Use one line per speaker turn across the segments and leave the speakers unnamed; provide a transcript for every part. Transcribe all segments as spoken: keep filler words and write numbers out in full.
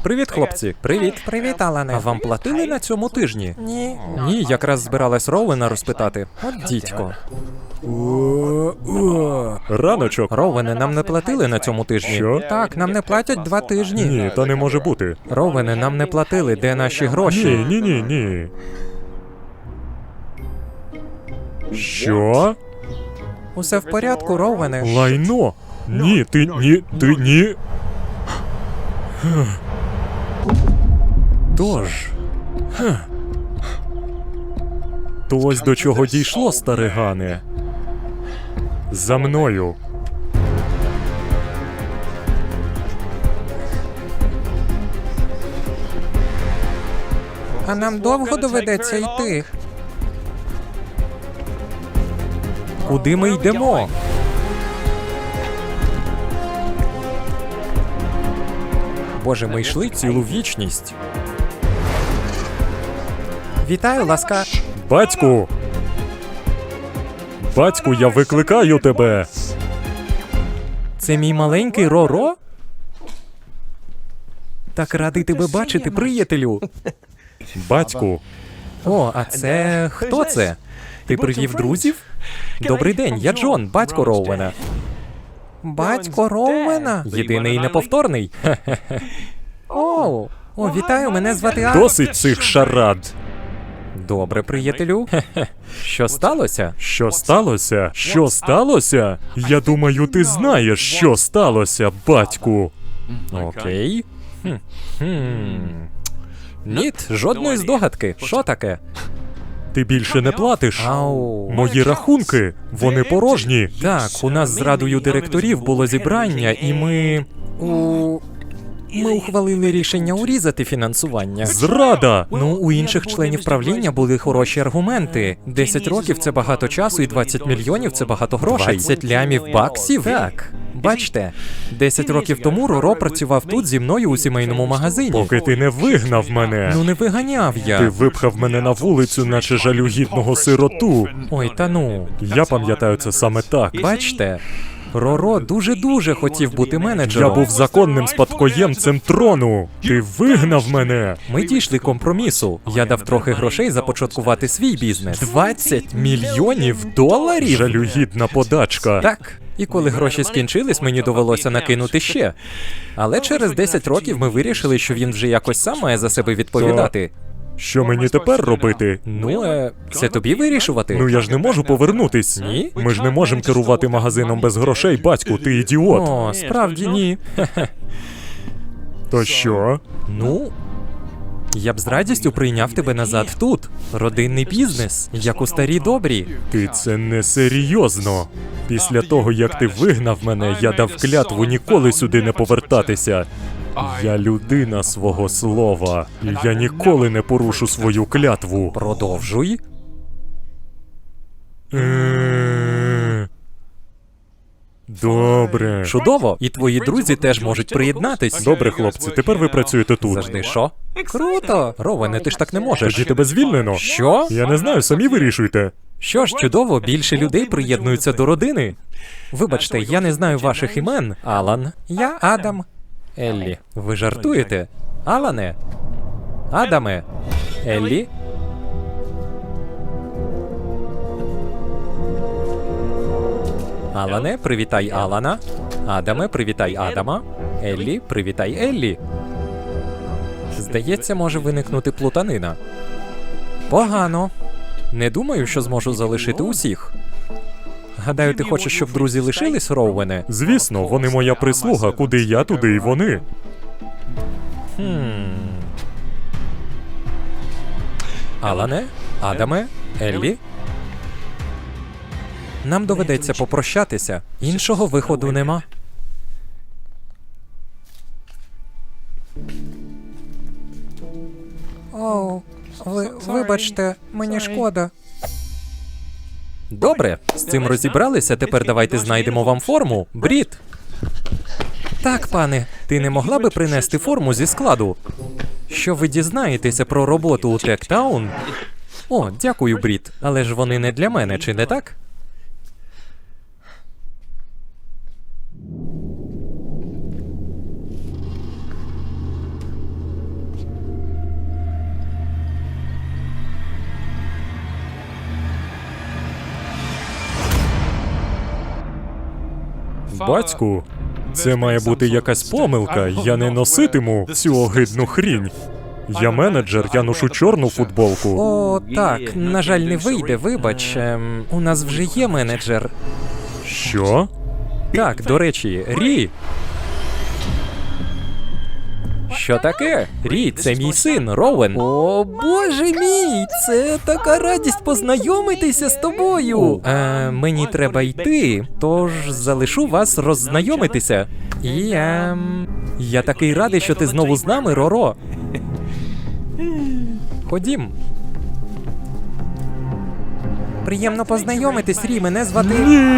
Привіт, хлопці. Привіт.
Привіт, Алане.
А вам платили на цьому тижні?
Ні.
Ні, якраз збиралась Роуена розпитати. От дідько. Раночок. Роуене, нам не платили на цьому тижні.
Що?
Так, нам не платять два тижні.
Ні, та не може бути.
Роуене, нам не платили, де наші гроші?
Ні, ні, ні, ні. Що?
Усе в порядку, Роуене.
Лайно? Ні, ти ні, ти ні. Тож. Хе. То ось до чого дійшло, старигане. За мною.
А нам довго доведеться йти?
Куди ми йдемо? Боже, ми йшли цілу вічність.
Вітаю, ласка.
Батьку! Батьку, я викликаю тебе!
Це мій маленький Роро? Так радий тебе бачити, приятелю.
Батьку!
О, а це... хто це? Ти привів друзів? Добрий день, я Джон, батько Роуена.
Батько Роуена?
Єдиний і неповторний.
Оу. О, вітаю, мене звати Ар...
Досить цих шарад!
Добре, приятелю. Що сталося?
Що сталося? Що сталося? Я думаю, ти знаєш, що сталося, батьку.
Окей. Хм. Хм. Ніт, жодної здогадки. Що таке?
Ти більше не платиш.
Ау.
Мої рахунки, вони порожні.
Так, у нас з радою директорів було зібрання, і ми... У... Ми ухвалили рішення урізати фінансування.
Зрада!
Ну, у інших членів правління були хороші аргументи. десять років – це багато часу, і двадцять мільйонів – це багато грошей. двадцять лямів баксів? Так. Бачте, десять років тому Роро працював тут зі мною у сімейному магазині.
Поки ти не вигнав мене.
Ну не виганяв я.
Ти випхав мене на вулицю, наче жалюгідного сироту.
Ой, та ну.
Я пам'ятаю це саме так.
Бачте, Роро дуже-дуже хотів бути менеджером.
Я був законним спадкоємцем трону. Ти вигнав мене.
Ми дійшли компромісу. Я дав трохи грошей започаткувати свій бізнес. двадцять мільйонів доларів?
Жалюгідна подачка.
Так. І коли гроші скінчились, мені довелося накинути ще. Але через десять років ми вирішили, що він вже якось сам має за себе відповідати.
Що мені тепер робити?
Ну, е, це тобі вирішувати?
Ну я ж не можу повернутись.
Ні?
Ми ж не можемо керувати магазином без грошей, батьку, ти ідіот.
О, справді ні.
То що?
Ну, я б з радістю прийняв тебе назад тут. Родинний бізнес, як у старі добрі.
Ти це не серйозно. Після того, як ти вигнав мене, я дав клятву ніколи сюди не повертатися. Я людина свого слова, і я ніколи не порушу свою клятву.
Продовжуй.
Е, Добре.
Чудово. І твої друзі теж можуть приєднатись.
Добре, хлопці, тепер ви працюєте тут.
Завжди що?
Круто.
Ровене, ти ж так не можеш.
Тоді тебе звільнено.
Що?
Я не знаю, самі вирішуйте.
Що ж, чудово, більше людей приєднуються до родини. Вибачте, я не знаю ваших імен. Алан.
Я Адам.
Еллі. Ви жартуєте? Алане? Адаме? Еллі? Алане, привітай Алана. Адаме, привітай Адама. Еллі, привітай Еллі. Здається, може виникнути плутанина. Погано. Не думаю, що зможу залишити усіх. Гадаю, ти хочеш, щоб друзі лишились, Роуене?
Звісно, вони моя прислуга, куди я, туди і вони.
Хм. Алане? Адаме? Еллі? Нам доведеться попрощатися. Іншого виходу нема.
Оу. Ви, вибачте, мені шкода.
Добре, з цим розібралися, тепер давайте знайдемо вам форму. Брід! Так, пане, ти не могла би принести форму зі складу? Що ви дізнаєтеся про роботу у Тектаун? О, дякую, Брід, але ж вони не для мене, чи не так?
Батьку, це має бути якась помилка. Я не носитиму цю огидну хрінь. Я менеджер, я ношу чорну футболку.
О, так, на жаль, не вийде, вибач. Ем, у нас вже є менеджер.
Що?
Так, до речі, Рі. Що таке? Рі, це мій син, Роуен. О, боже мій, це така радість познайомитися з тобою. Е, мені треба йти, тож залишу вас роззнайомитися. І ем, я такий радий, що ти знову з нами, Роро. Ходім.
Приємно познайомитись, Рі, мене звати...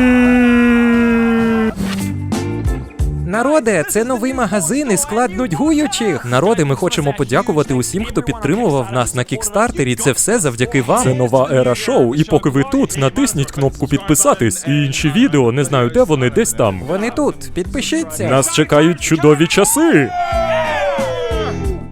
Народе, це новий магазин і склад нудьгуючих.
Народи, ми хочемо подякувати усім, хто підтримував нас на кікстартері. Це все завдяки вам.
Це нова ера шоу, і поки ви тут, натисніть кнопку підписатись. І інші відео, не знаю де вони, десь там.
Вони тут, підпишіться.
Нас чекають чудові часи.